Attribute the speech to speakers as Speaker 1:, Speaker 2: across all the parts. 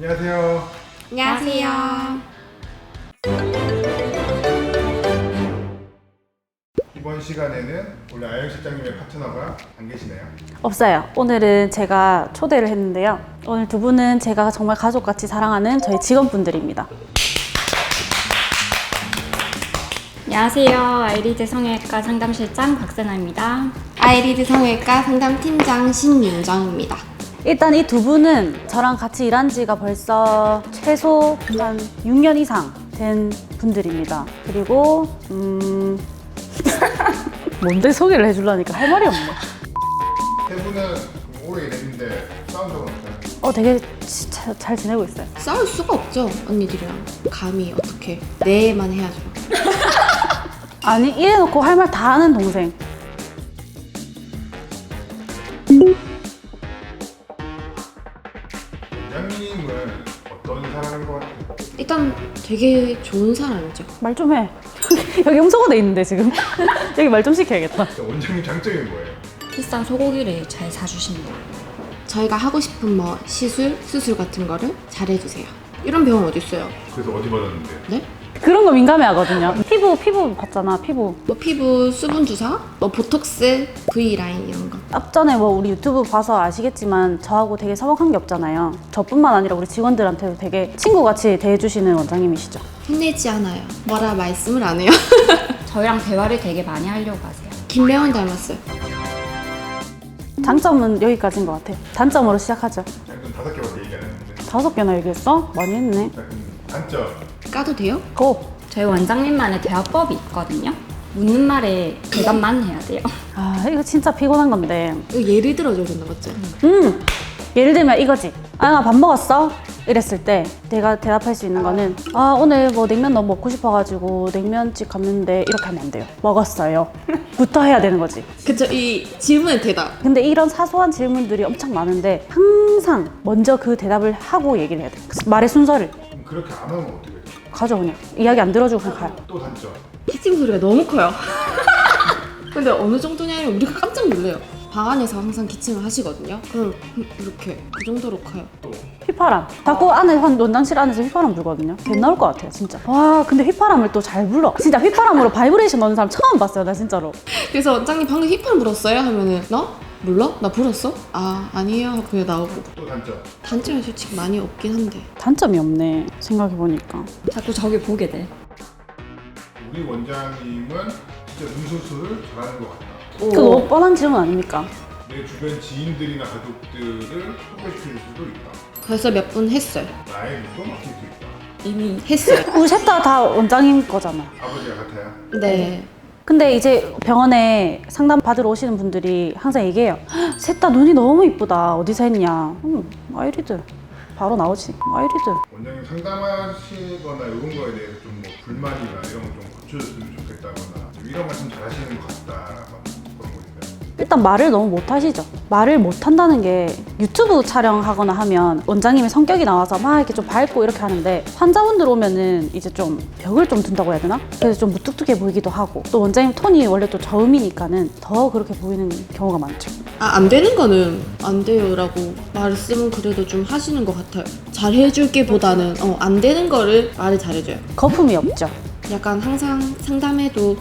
Speaker 1: 안녕하세요.
Speaker 2: 안녕하세요.
Speaker 1: 이번 시간에는 우리 아영 실장님의 파트너가 안 계시네요.
Speaker 3: 없어요. 오늘은 제가 초대를 했는데요. 오늘 두 분은 제가 정말 가족같이 사랑하는 저희 직원분들입니다.
Speaker 2: 안녕하세요. 아이리드 성형외과 상담실장 박세나입니다.
Speaker 4: 아이리드 성형외과 상담팀장 신윤정입니다.
Speaker 3: 일단 이 두 분은 저랑 같이 일한 지가 벌써 최소 한 6년 이상 된 분들입니다. 그리고 뭔데 소개를 해주려니까 할 말이 없네.
Speaker 1: 세 분은 오래 일했는데 싸운 적은 없어요?
Speaker 3: 되게 잘 지내고 있어요.
Speaker 4: 싸울 수가 없죠, 언니들이랑. 감히 어떻게. 네만 해야죠.
Speaker 3: 아니 이래놓고 할 말 다 하는 동생.
Speaker 1: 원장님은 어떤 사람인 것 같아요?
Speaker 4: 일단 되게 좋은 사람이죠.
Speaker 3: 말 좀 해. 여기 염소가 돼 있는데 지금. 여기 말 좀 시켜야겠다.
Speaker 1: 원장님 장점이 뭐예요?
Speaker 2: 비싼 소고기를 잘 사주십니다.
Speaker 4: 저희가 하고 싶은 뭐 시술, 수술 같은 거를 잘해주세요. 이런 병원 어디 있어요?
Speaker 1: 그래서 어디 받았는데요?
Speaker 4: 네?
Speaker 3: 그런 거 민감해 하거든요. 피부 봤잖아, 피부.
Speaker 4: 뭐 피부 수분 주사, 뭐 보톡스, V라인 이런 거.
Speaker 3: 앞전에 뭐 우리 유튜브 봐서 아시겠지만 저하고 되게 서먹한 게 없잖아요. 저뿐만 아니라 우리 직원들한테도 되게 친구같이 대해주시는 원장님이시죠.
Speaker 4: 혼내지 않아요. 뭐라 말씀을 안 해요.
Speaker 2: 저희랑 대화를 되게 많이 하려고 하세요.
Speaker 4: 김래원 닮았어요.
Speaker 3: 장점은 여기까지인 것 같아요. 단점으로 시작하죠.
Speaker 1: 약간 5개밖에 얘기 안 했는데.
Speaker 3: 5개나 얘기했어? 많이 했네.
Speaker 1: 자, 그럼 단점.
Speaker 4: 까도 돼요?
Speaker 3: 고!
Speaker 2: 저희 원장님만의 대화법이 있거든요. 묻는 말에 대답만 해야 돼요.
Speaker 3: 아 이거 진짜 피곤한 건데.
Speaker 4: 이거 예를 들어줘야 된다, 맞죠?
Speaker 3: 예를 들면 이거지. 아, 밥 먹었어? 이랬을 때 내가 대답할 수 있는 거는 아 오늘 뭐 냉면 너무 먹고 싶어가지고 냉면집 갔는데 이렇게 하면 안 돼요. 먹었어요. 부터 해야 되는 거지.
Speaker 4: 그쵸, 이 질문의 대답.
Speaker 3: 근데 이런 사소한 질문들이 엄청 많은데 항상 먼저 그 대답을 하고 얘기를 해야 돼. 말의 순서를
Speaker 1: 그럼 그렇게 안 하면 어떻게 해요?
Speaker 3: 가져 그냥. 이야기 안 들어주고 그냥 가요.
Speaker 1: 또 단점.
Speaker 4: 기침 소리가 너무 커요. 근데 어느 정도냐면 우리가 깜짝 놀래요. 방 안에서 항상 기침을 하시거든요. 그럼 이렇게 그 정도로 커요.
Speaker 1: 또
Speaker 3: 휘파람. 자꾸 안에 원장실 안에서 휘파람 불거든요. 개 나올 것 같아요 진짜. 와 근데 휘파람을 또 잘 불어. 진짜 휘파람으로 바이브레이션 넣는 사람 처음 봤어요 나 진짜로.
Speaker 4: 그래서 원장님 방금 휘파람 불었어요? 하면은 너? 몰라? 나 불었어? 아 아니에요 하고 그냥 나오고.
Speaker 1: 또 단점.
Speaker 4: 단점이 솔직히 많이 없긴 한데.
Speaker 3: 단점이 없네 생각해보니까.
Speaker 2: 자꾸 저기 보게 돼.
Speaker 1: 우리 원장님은 진짜 눈수술을 잘하는 것 같다.
Speaker 3: 그 너무 뻔한 질문 아닙니까?
Speaker 1: 내 주변 지인들이나 가족들을 소개시킬 수도 있다.
Speaker 4: 벌써 몇 분 했어요.
Speaker 1: 나의 눈도 막힐 수 있다.
Speaker 4: 이미 했어요.
Speaker 3: 우리 셋 다 원장님 거잖아.
Speaker 1: 아버지가 같아요.
Speaker 4: 네.
Speaker 3: 근데 이제 병원에 상담 받으러 오시는 분들이 항상 얘기해요. 셋 다 눈이 너무 이쁘다. 어디서 했냐? 아이리드. 바로 나오지. 아이리드.
Speaker 1: 원장님 상담하시거나 이런 거에 대해서 좀 뭐 불만이나 이런 거 좀 고쳐줬으면 좋겠다거나 이런 말씀 잘하시는 것 같다 그런 거 있나요?
Speaker 3: 일단 말을 너무 못하시죠. 말을 못한다는 게 유튜브 촬영하거나 하면 원장님의 성격이 나와서 막 이렇게 좀 밝고 이렇게 하는데 환자분들 오면은 이제 좀 벽을 좀 둔다고 해야 되나? 그래서 좀 무뚝뚝해 보이기도 하고 또 원장님 톤이 원래 또 저음이니까는 더 그렇게 보이는 경우가 많죠.
Speaker 4: 아 안 되는 거는 안 돼요라고 말씀은 그래도 좀 하시는 것 같아요. 잘해줄게 보다는 안 되는 거를 말을 잘해줘요.
Speaker 3: 거품이 없죠.
Speaker 4: 약간 항상 상담해도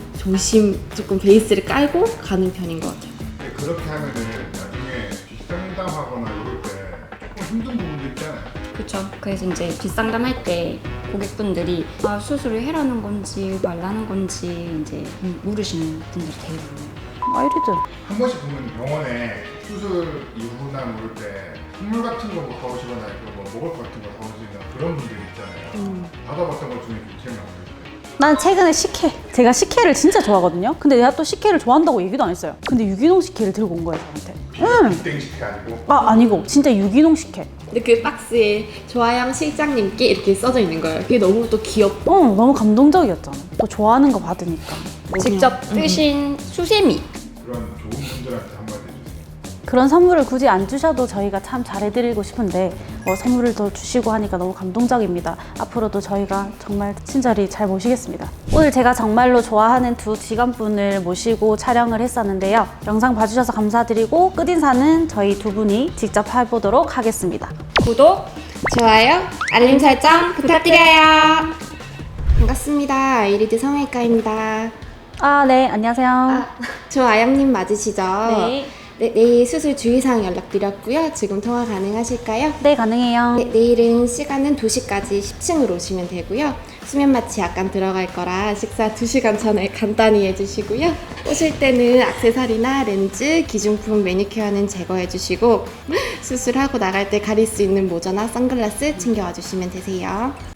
Speaker 4: 조금 베이스를 깔고 가는 편인 것 같아요.
Speaker 1: 근데 그렇게 하면은 나중에 뒷상담하거나 이럴 때 조금 힘든 부분도 있잖아요.
Speaker 2: 그렇죠. 그래서 이제 뒷상담할 때 고객분들이 수술을 해라는 건지 말라는 건지 이제 물으시는 분들이 대부분이에요.
Speaker 3: 아이리드.
Speaker 1: 한 번씩 보면 병원에 수술 이후나 뭐 이럴 때 선물 같은 거 뭐 사오시거나 뭐 먹을 것 같은 거 사오시거나 그런 분들 있잖아요. 받아봤던 것 중에 제일 많아요.
Speaker 3: 난 최근에 식혜. 제가 식혜를 진짜 좋아하거든요. 근데 내가 또 식혜를 좋아한다고 얘기도 안 했어요. 근데 유기농 식혜를 들고 온 거예요 저한테.
Speaker 1: 땡식이 아니고
Speaker 3: 아니고 진짜 유기농 식혜.
Speaker 4: 근데 그 박스에 조아영 실장님께 이렇게 써져 있는 거예요. 그게 너무 또 귀엽고.
Speaker 3: 너무 감동적이었잖아. 또 좋아하는 거 받으니까.
Speaker 2: 직접 뜨신 수세미.
Speaker 1: 그런 좋은 분들한테 한마디 해주세요.
Speaker 3: 그런 선물을 굳이 안 주셔도 저희가 참 잘해드리고 싶은데 선물을 더 주시고 하니까 너무 감동적입니다. 앞으로도 저희가 정말 친절히 잘 모시겠습니다. 오늘 제가 정말로 좋아하는 두 직원분을 모시고 촬영을 했었는데요. 영상 봐주셔서 감사드리고 끝인사는 저희 두 분이 직접 해보도록 하겠습니다.
Speaker 2: 구독,
Speaker 4: 좋아요, 알림 설정 부탁드려요. 반갑습니다. 아이리드 성형외과입니다.
Speaker 3: 아, 네, 안녕하세요.
Speaker 4: 저 아영님 맞으시죠?
Speaker 3: 네.
Speaker 4: 네, 내일 수술 주의사항 연락드렸고요. 지금 통화 가능하실까요?
Speaker 3: 네, 가능해요.
Speaker 4: 네, 내일은 시간은 2시까지 10층으로 오시면 되고요. 수면 마취 약간 들어갈 거라 식사 2시간 전에 간단히 해주시고요. 오실 때는 액세서리나 렌즈, 기중품 매니큐어는 제거해 주시고 수술하고 나갈 때 가릴 수 있는 모자나 선글라스 챙겨와 주시면 되세요.